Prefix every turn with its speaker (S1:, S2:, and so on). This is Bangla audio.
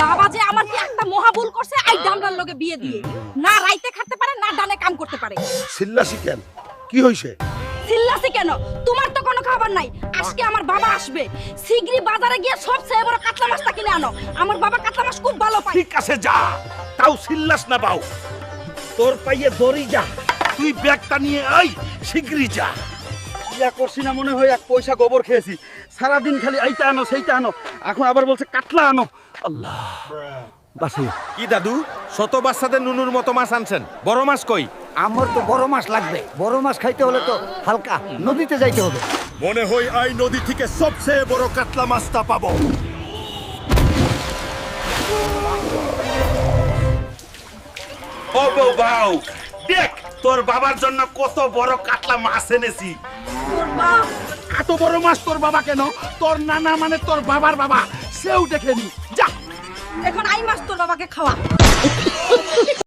S1: বাবা যে আমার কি একটা মহা ভুল করছে এই ডামরার লগে বিয়ে দিয়ে না রাইতে খাতে পারে না ডানে কাম করতে পারে
S2: চিল্লাসি কেন কি হইছে
S1: চিল্লাছি কেন তোমার তো কোনো খবর নাই আজকে আমার বাবা আসবে শিগগিরই বাজারে গিয়ে সবচেয়ে বড় কাতলা মাছটা কিনে আনো আমার বাবা কাতলা মাছ খুব ভালো পায়
S2: ঠিক আছে যা তাও চিল্লাস না বাউ তোর পাইয়ে দড়ি যা তুই ব্যাগটা নিয়ে আই শিগগিরই যা
S3: ইয়া করছি না মনে হয় এক পয়সা গোবর খেয়েছি সারাদিন খালি এইটা আনো সেইটা আনো এখন আবার বলছে কাতলা আনো আল্লাহ বাসি
S4: কি দাদু শত বাচ্চাদের নুনুর মতো মাছ আনছেন বড় মাছ কই
S5: আমার তো বড় মাছ লাগবে বড় মাছ খাইতে হলে তো হালকা নদীতে যাইতে হবে
S2: মনে হয় এই নদী থেকে সবচেয়ে বড় কাতলা মাছটা পাবো ও বউ বাউ দেখ তোর বাবার জন্য কত বড় কাতলা মাছ এনেছি এত বড় মাছ তোর বাবা কেন তোর নানা মানে তোর বাবার বাবা সেও দেখেনি যা
S1: এখন আই মাছ তোর বাবাকে খাওয়া